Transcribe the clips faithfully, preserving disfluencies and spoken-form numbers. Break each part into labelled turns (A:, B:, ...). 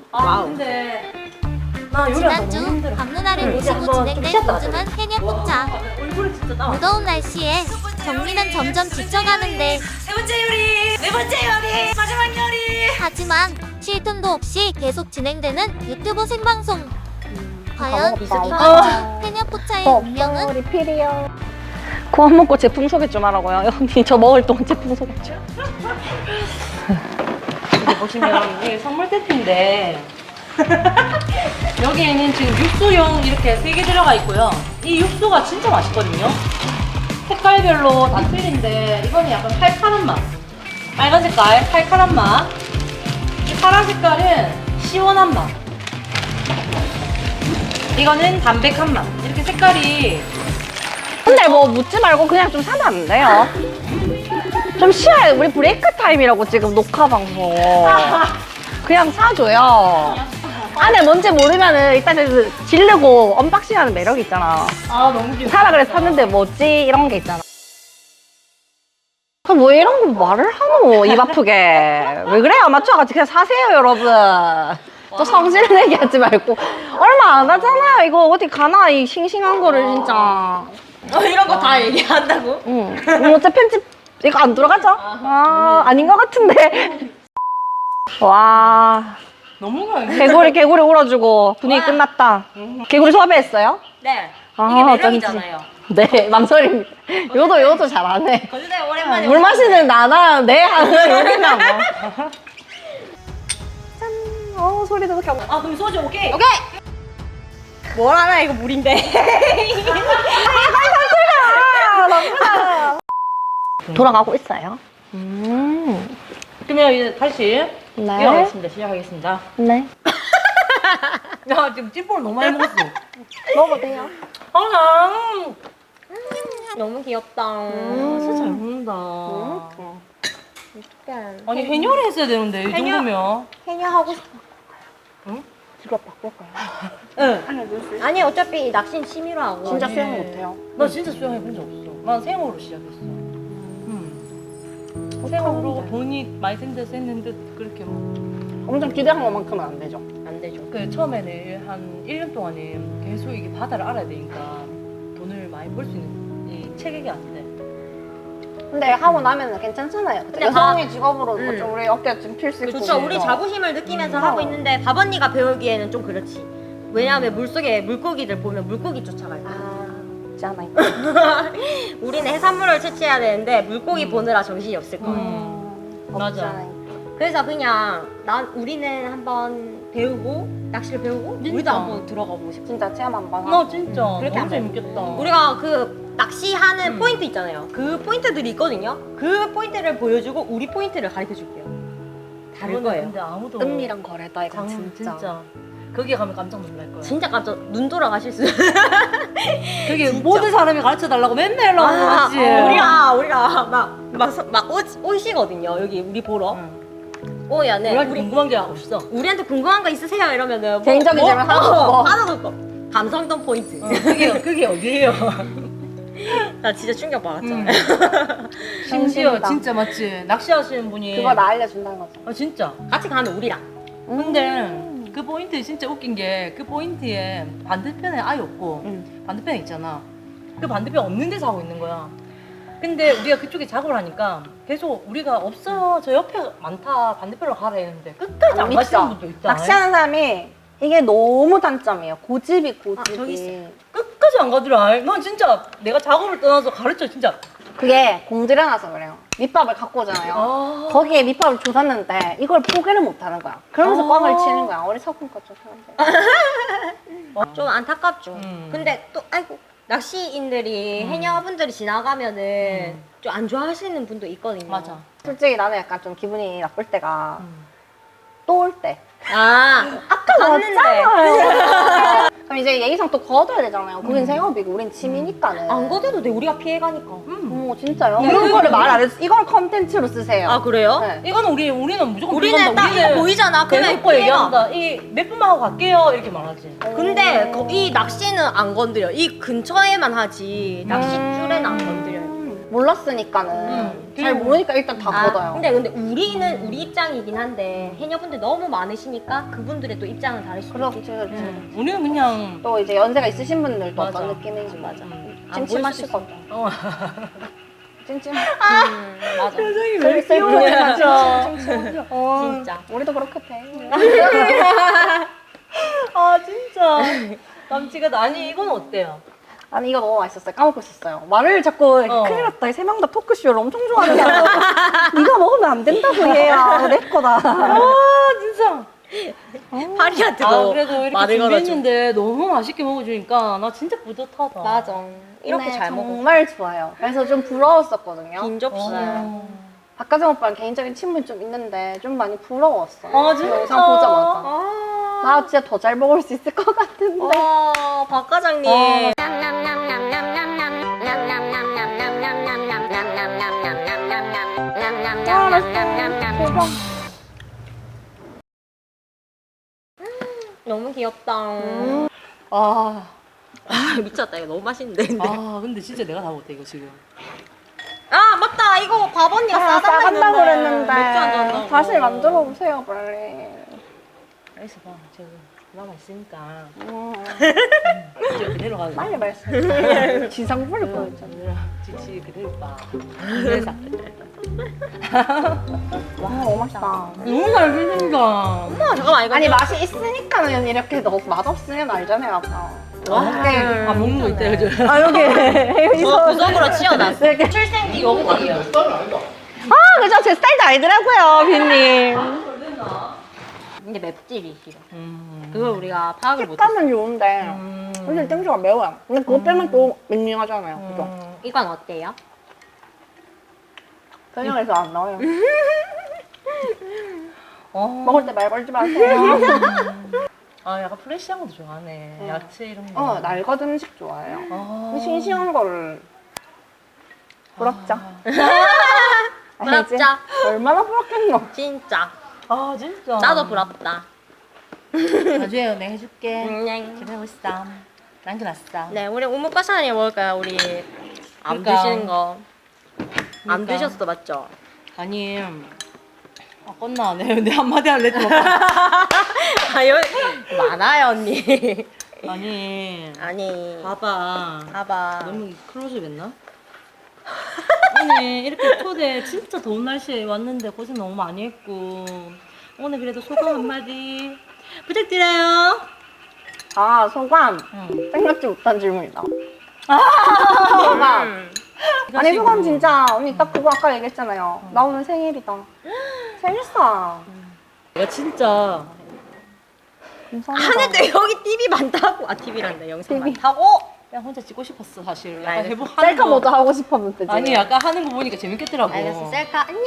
A: 아
B: 와우.
A: 근데 나 요리가 너무
C: 지난주
A: 힘들어.
C: 밤누나를
A: 응, 이제
C: 모시고
A: 한번
C: 진행된
A: 쉬었다
C: 요즘은 해녀 포차.
A: 얼굴이 진짜 나.
C: 무더운 날씨에 정리는 점점 지쳐가는데
B: 세 번째 요리, 네 번째 요리, 마지막 요리.
C: 하지만 쉴 틈도 없이 계속 진행되는 유튜브 생방송. 과연
D: 다
C: 이번
D: 먹었다.
C: 주 해녀 포차의
D: 어,
C: 운명은?
D: 리필이요. 그만 먹고 제품 소개 좀 하라고요. 언니 저 먹을 동안 제품 소개 좀.
A: 여기 보시면 이게 선물 세트인데 여기에는 지금 육수용 이렇게 세 개 들어가 있고요. 이 육수가 진짜 맛있거든요. 색깔별로 다 틀린데 이거는 약간 칼칼한 맛. 빨간 색깔 칼칼한 맛. 이 파란 색깔은 시원한 맛. 이거는 담백한 맛. 이렇게 색깔이
D: 근데 뭐 묻지 말고 그냥 좀 사면 안 돼요? 좀 쉬어요. 우리 브레이크 타임이라고 지금 녹화 방송. 그냥 사줘요. 안에 뭔지 모르면은 일단 지르고 언박싱하는 매력이 있잖아.
A: 아 너무 귀엽다.
D: 사라 그래서 샀는데 뭐지? 이런 게 있잖아. 뭐 이런 거 말을 하노? 입 아프게. 왜 그래요? 아마추어같이 그냥 사세요, 여러분. 또 성질 내기 하지 말고. 얼마 안 하잖아요. 이거 어디 가나? 이 싱싱한 거를 진짜.
B: 어, 이런 거 다 얘기한다고?
D: 응. 음, 어째 편집 이거 안 들어가죠? 아, 아닌 것 같은데. 와.
A: 너무 귀여워.
D: 개구리 개구리 울어주고 분위기 끝났다. 개구리 섭외했어요?
B: 네.
D: 아,
B: 이게 매력이잖아요.
D: 네, 망설입니다. 요도 요도 잘하네.
B: 거주대 오랜만에
D: 물 마시는 나나 내 하는 우리나 뭐. 짠. 어 소리도 이렇게 하고.
A: 아 그럼 소주 오케이.
B: 오케이. 뭘 하나 이거 물인데.
D: 돌아가고 있어요. 음.
A: 그러면 이제 다시
D: 네.
A: 이어가겠습니다. 시작하겠습니다.
D: 네.
A: 야 지금 찐볼 너무 많이 먹었어.
D: 먹어도 돼요.
A: 아,
B: 너무 귀엽다.
A: 음, 진짜 잘 먹는다.
D: 어떡해.
A: 아니 해녀를 했어야 되는데 이
B: 해녀?
A: 정도면.
B: 해녀 하고 싶어.
D: 직업 바꿀까요?
A: 응.
B: 아니 어차피 낚시는 취미로 하고.
D: 진짜
A: 아니.
D: 수영 못해요.
A: 나 진짜 수영해 본 적 없어. 난 생으로 시작했어. 음. 생으로 돈이 많이 센 데서 했는데 그렇게 뭐.
D: 엄청 기대한 것만큼은 안 되죠.
B: 안 되죠.
A: 그 처음에는 한 일 년 동안은 계속 이게 바다를 알아야 되니까 돈을 많이 벌 수 있는 이 체격이 안 돼.
D: 근데 하고 나면은 괜찮잖아요.
B: 근데
D: 여성의 직업으로
B: 음.
D: 뭐좀 우리 어깨 좀 필 수 있고.
B: 그렇죠. 우리 자부심을 느끼면서
D: 음.
B: 하고 있는데 밥 언니가 배우기에는 좀 그렇지. 왜냐하면 물속에 물고기들 보면 물고기 쫓아갈 거야.
D: 아, 있잖아요.
B: 우리는 해산물을 채취해야 되는데 물고기
D: 음.
B: 보느라 정신이 없을 거야.
A: 음. 맞아.
D: 없잖아요.
B: 그래서 그냥 난 우리는 한번 배우고 낚시를 배우고
A: 진짜.
B: 우리도 한번 들어가 보고 싶어.
D: 진짜 체험 한번 하고.
A: 나 진짜
B: 음, 그렇게
A: 너무
B: 안 돼.
A: 재밌겠다.
B: 우리가 그 낚시하는
A: 음.
B: 포인트 있잖아요. 그 포인트들이 있거든요. 그 포인트를 보여주고 우리 포인트를 가르쳐 줄게요. 다를
A: 그거는
B: 거예요.
A: 근데 아무도
D: 은미랑 거래다 이거
A: 장,
D: 진짜.
A: 진짜. 거기 가면 깜짝 놀랄 거야.
B: 진짜 깜짝 눈 돌아가실 수.
A: 그게 모든 사람이 가르쳐 달라고 맨날 연락 오는
B: 아,
A: 거지.
B: 어, 우리가 우리가 막막막 오시거든요. 여기 우리 보러.
A: 응.
B: 오야네.
A: 우리한테
B: 우리
A: 궁금한 게 없어.
B: 우리한테 궁금한 거 있으세요? 이러면은 뭐,
D: 개인적인
B: 뭐?
D: 질문 하나도
B: 어,
D: 없고.
B: 하나도 없고. 감성동 포인트.
A: 어, 그게 그게 어디예요?
B: 나 진짜 충격 받았잖아.
A: 음. 심지어
D: 현실이다.
A: 진짜 맞지. 낚시하시는 분이
D: 그거 나 알려준다는 거죠.
A: 아 진짜.
B: 같이 가면 우리랑.
A: 근데 그 포인트 진짜 웃긴 게 그 포인트에 반대편에 아예 없고
D: 응.
A: 반대편에 있잖아. 그 반대편 없는 데서 하고 있는 거야. 근데 우리가 그쪽에 작업을 하니까 계속 우리가 없어 저 옆에 많다 반대편으로 가라 했는데 끝까지 안 가시는 분도 있다.
D: 낚시하는 사람이 이게 너무 단점이에요. 고집이 고집이.
B: 아, 저기 있어요.
A: 끝까지 안 가더라. 난 진짜 내가 작업을 떠나서 가르쳐 진짜.
D: 그게 공들여놔서 그래요. 밑밥을 갖고 오잖아요.
A: 아.
D: 거기에 밑밥을 줬었는데 이걸 포기를 못하는 거야. 그러면서
A: 아.
D: 꽝을 치는 거야. 어리석은 거죠, 사람들.
B: 좀 안타깝죠.
A: 음.
B: 근데 또 아이고 낚시인들이
A: 음.
B: 해녀분들이 지나가면은
A: 음.
B: 좀 안 좋아하시는 분도 있거든요.
A: 맞아.
D: 솔직히 나는 약간 좀 기분이 나쁠 때가
A: 음.
D: 또 올 때.
B: 아 아까
D: 왔잖아요. 그럼 이제 예의상 또 거둬야 되잖아요. 거긴
A: 음.
D: 생업이고 우린 취미니까는.
B: 안 거둬도 돼. 우리가 피해가니까.
A: 음.
D: 어, 진짜요?
A: 네.
D: 이런 거를 말 안 했어. 이걸 컨텐츠로 쓰세요.
B: 아 그래요?
D: 네.
A: 이거는 우리 우리는 무조건
B: 우리는
A: 들어간다.
B: 딱 이거 보이잖아. 그러면
A: 대놓고
B: 피해가.
A: 얘기한다. 이 몇 분만 하고 갈게요 이렇게 말하지.
B: 근데 거, 이 낚시는 안 건드려. 이 근처에만 하지 낚싯줄에는 안 건드려요.
D: 음. 몰랐으니까는
A: 음.
D: 잘 모르니까 일단 다
B: 아,
D: 걷어요.
B: 근데 근데 우리는 우리 입장이긴 한데 해녀분들 너무 많으시니까 그분들의 또 입장은 다를 수도
D: 그렇지,
B: 있겠지.
D: 그렇지.
A: 음, 우리는 그냥
D: 또 이제 연세가 있으신 분들도
A: 맞아.
D: 어떤 느낌인지
B: 맞아.
A: 음,
B: 안 보일 수도
D: 찜찜하시거든.
A: 어.
D: 찜찜.
B: 음, 맞아.
A: 표정이
D: 왜 귀여워,
A: 진짜.
D: 어,
B: 진짜.
D: 우리도 그렇게 돼.
A: 아 진짜 깜찍하다. 아니 이건 어때요?
D: 아니 이거 너무 맛있었어요. 까먹고 있었어요. 말을 자꾸
A: 어.
D: 큰일 났다. 세 명 다 토크쇼를 엄청 좋아하는 사람. 네가 먹으면 안 된다고 얘야. 내 거다.
A: 아 진짜.
B: 파리한테
A: 아
B: 너
A: 그래도 이렇게
B: 말을 걸어줘.
A: 준비했는데 너무 맛있게 먹어주니까 나 진짜 뿌듯하다.
B: 맞아. 이렇게
D: 네,
B: 잘 먹어.
D: 정말 좋아요. 그래서 좀 부러웠었거든요.
B: 긴 접시.
A: 어.
D: 박가정 오빠랑 개인적인 친분이 좀 있는데 좀 많이 부러웠어요.
A: 아 진짜.
D: 영상 보자마자.
B: 아,
D: 나 진짜 더 잘 먹을 수 있을 것 같은데.
B: 와, 박 과장님.
A: 어.
D: 아, 맛있다. 대박.
B: 너무 귀엽다.
A: 음. 아.
B: 아, 미쳤다. 이거 너무 맛있는데. 근데.
A: 아 근데 진짜 내가 다 못해 이거 지금.
B: 아, 맞다. 이거 밥 언니가
D: 아,
B: 싸달라
D: 싸간다고 그랬는데.
B: 맥주 한 잔 넣고.
D: 다시 만들어 보세요, 빨리.
A: 알겠어 봐. 제가 남아 있으니까
D: 음,
A: 이제 그대로 가자.
D: 빨리 말씀해. 지상 부릴 뻔했잖아.
A: 지치 그대로 봐. 그래서
D: 와, 너무 맛있다.
A: 너무 잘 드신다.
B: 엄마, 잠깐만. 이거
D: 아니, 맛이 있으니까는 이렇게 너무 맛없으면 알잖아요, 아까.
A: 와. 아 먹는 거 있다 요즘.
D: 아, 여기.
B: 저 구석으로 치워놨어.
D: 이렇게.
A: 출생기 여복이에요.
D: 아, 그죠? 제 스타일도 아니더라고요, 빈님.
B: 근데 맵찔이 싫어.
A: 음.
B: 그걸 우리가 파악을 못했어.
D: 식감은 좋은데,
A: 음.
D: 사실 땡초가 매워요. 근데 그거 빼면 또 밍밍하잖아요, 그죠?
A: 음.
B: 이건 어때요?
D: 설명해서 안 나와요.
A: 어.
D: 먹을 때 말 걸지 마세요.
A: 아 약간 프레시한 것도 좋아하네.
D: 어.
A: 야채 이런 거.
D: 어, 날것 음식 좋아해요.
A: 아.
D: 싱싱한 거를. 부럽죠?
A: 아.
D: 알지?
B: 부럽죠?
D: 얼마나 부럽겠노?
B: 진짜.
A: 아 진짜.
B: 나도 부럽다.
A: 나중에 내가 해줄게.
B: 음,
A: 기다리고 있어. 남겨놨어.
B: 네, 우리 우뭇과사니 먹을까요? 우리 안
A: 그러니까.
B: 드시는 거. 안
A: 그러니까.
B: 드셨어, 맞죠?
A: 아니. 아 껐나 안 해. 근데 한마디 할래 또.
B: 아, 여기 많아요, 언니.
A: 아니.
B: 아니.
A: 봐봐.
B: 봐봐.
A: 너무 클로즈업 했나? 오늘 이렇게 초대 진짜 더운 날씨에 왔는데 고생 너무 많이 했고 오늘 그래도 소감 한마디 부탁드려요.
D: 아, 소감.
A: 응.
D: 생각지 못한 질문이다.
A: 아,
D: 소감.
B: 음.
D: 아니, 소감 진짜, 언니 딱 그거 아까 얘기했잖아요. 나 오늘 생일이다. 생일상.
A: 내가 진짜
D: 감사합니다.
B: 하는데 여기 티비 많다고. 아, 티비란다. 영상
D: 티비.
B: 많다고.
A: 그냥 혼자 찍고 싶었어 사실. 약간
B: 알겠어.
A: 해보 하는
D: 셀카
A: 거-
D: 모드 하고 싶었는데. 지금.
A: 아니 약간 하는 거 보니까 재밌겠더라고.
B: 알겠어. 셀카 안녕.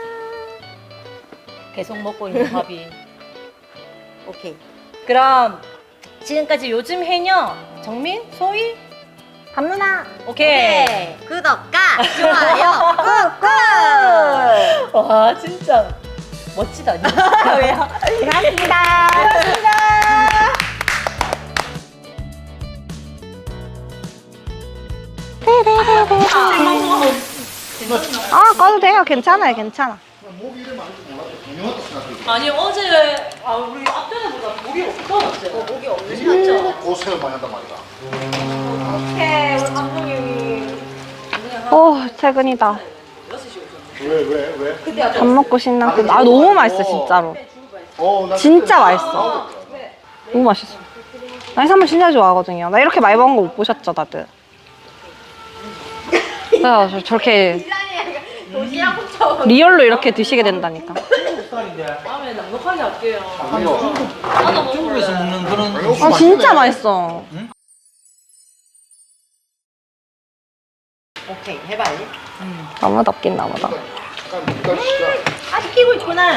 A: 계속 먹고 있는 밥이.
B: 오케이.
A: 그럼 지금까지 요즘 해녀 정민 소희
D: 감누나.
A: 오케이.
B: 오케이. 구독과 좋아요 꾹꾹.
A: 와 진짜 멋지다.
B: 왜요?
D: 고맙습니다. 아, 꺼도 돼요. 괜찮아요, 괜찮아.
E: 목이 이름 알지 몰랐어. 유명하다 생각해.
A: 아니 어제 아 우리 앞전에보다 목이 없어졌어요.
B: 목이 없는
E: 일곱 고생을 많이 한단 말이다.
B: 오케이. 우리 감독님이.
D: 오, 퇴근이다.
E: 왜, 왜, 왜?
D: 밥 먹고 신나. 아, 너무 맛있어, 진짜로.
E: 어, 나
D: 진짜
E: 그때-
D: 맛있어. 너무 맛있어. 나 해산물 진짜 좋아하거든요. 나 이렇게 많이 먹은 거 못 보셨죠, 다들? 나 저- 저렇게 리얼로 이렇게 드시게 된다니까.
A: 다음에 넉넉하게 할게요.
E: 아니요.
A: 나도 먹을래.
F: 중국에서 먹는 그런
E: 아니,
D: 아, 진짜 맛있어.
B: 오케이. 해봐요.
D: 너무 덥긴 나보다.
E: 약간 기다리시자.
A: 아 시키고 있구나.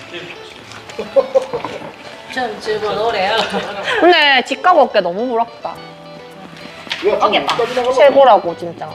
A: 전 집어 노래요.
D: 근데 집값 어깨 너무 부럽다.
E: 야, 좀 여기까지 나가봐.
D: 최고라고, 진짜.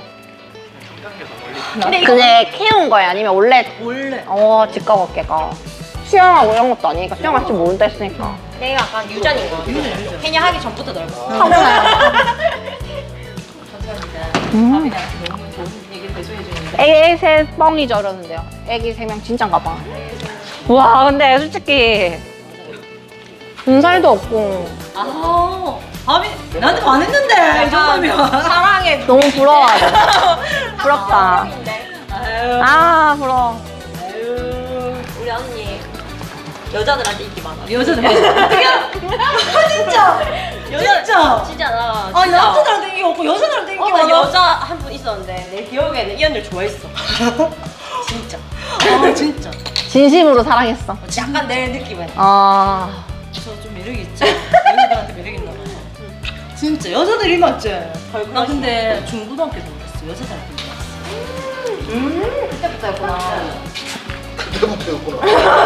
D: 근데, 근데 키운 거야? 아니면 원래?
A: 원래.
D: 어, 집값 어깨가. 수영하고 이런 것도 아니니까 수영할 줄 모른다 했으니까.
B: 내가 약간 유전인 거.
A: 유전, 유전.
B: 해녀 하기 전부터 넓어.
D: 타고나요.
A: 감사합니다.
D: 음.
A: 밥이랑 너무 좋은 얘기를 계속 해주는데.
D: 애기 세 뻥이죠 이러는데요. 애기 세 명 진짠가 봐. 와 근데 솔직히 군살도 없고
A: 아, 밥이 나한테 반했는데 이 정도면.
B: 사랑해.
D: 너무 부러워하죠. 부럽다.
A: 아유,
D: 아 부러워.
A: 아유.
B: 우리 언니 여자들한테 인기 많아.
A: 여자는 어떻게? 아 진짜. 진짜.
B: 진짜 나.
A: 아니 남자들한테 인기 없고 여자들한테 인기
B: 어, 나
A: 많아.
B: 여자 한 분 있었는데 내 기억에는 이 언니를 좋아했어. 진짜.
A: 아 진짜.
D: 진심으로 사랑했어.
B: 약간 내 느낌은.
D: 아
A: 저 좀 매력이 있죠. 여자들한테 매력 있나 봐. 진짜 여자들이 맞지. 나 근데 중고등학교 때 몰랐어. 여자들한테 몰랐어.
B: 음, 그때부터였구나.
E: 그때부터였구나.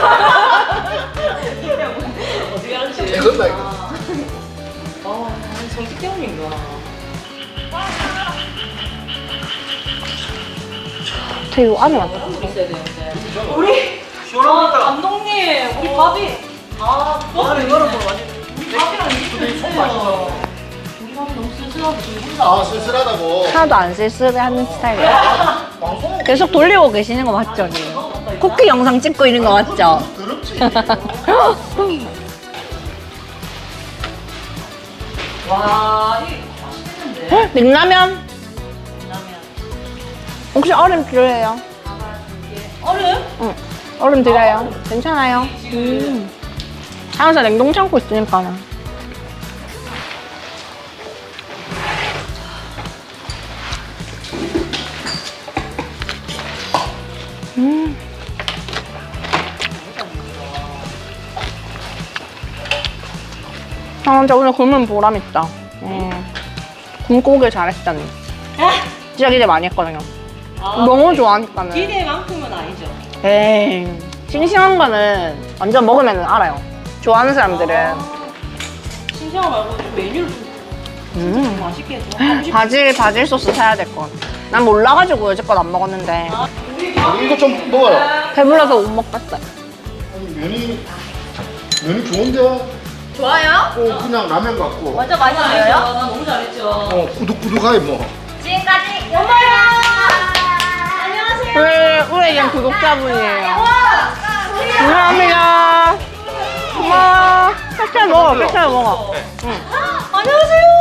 A: 어떻게 알지?
E: 최근 나이가.
A: 아, 정식 때문인가.
D: 되게 요 안에 왔다.
A: 있어야 되는데. 우리 아, 감독님, 우리 밥이 아, 밥을 이거를 뭐 완전 우리 밥이랑 이게 맛있어. 우리 밥이 너무 쓸쓸하고 지금 혼자.
E: 아 쓸쓸하다고.
D: 하나도 안 쓸쓸해하는 스타일이에요.
E: 방송
D: 계속 돌리고 계시는 거 맞죠? 언니? 쿠키 영상 찍고 있는 거 맞죠?
E: 더럽지.
A: 와, 이게 맛있겠는데.
D: 냉라면
A: 라면.
D: 혹시 얼음 필요해요?
A: 얼음?
D: 응. 얼음 드려요. 괜찮아요. 음. 항상 냉동 창고 있으니까. 음. 아, 진짜 오늘 굶으면 보람있다. 음. 굶고 오길 잘했다니. 진짜 기대 많이 했거든요.
A: 아,
D: 너무 좋아하니까는.
A: 기대만큼은 아니죠.
D: 에이, 싱싱한 거는 완전 먹으면 알아요. 좋아하는 사람들은.
A: 신시한 말고 좀 메뉴를 좀
D: 음.
A: 맛있게 좀 하고 싶어.
D: 바질, 바질 소스 사야 될 것 같아. 난 몰라가지고 여태껏 안 먹었는데.
E: 아니, 이거 좀 먹어요.
D: 배불러서 못 먹겠어요.
E: 아니, 면이 면이 좋은데.
B: 좋아요?
E: 어 그냥 라면 같고.
B: 완전
A: 잘했죠.
B: 맛있어요?
A: 나 너무 잘했죠.
E: 어 꾸덕꾸덕하게 뭐.
B: 지금까지 엄마야. 안녕하세요.
D: 우리, 우리 그냥 구독자분이에요. 감사합니다. 고마워. 끝에 먹어, 끝에 먹어. 응.
A: 안녕하세요.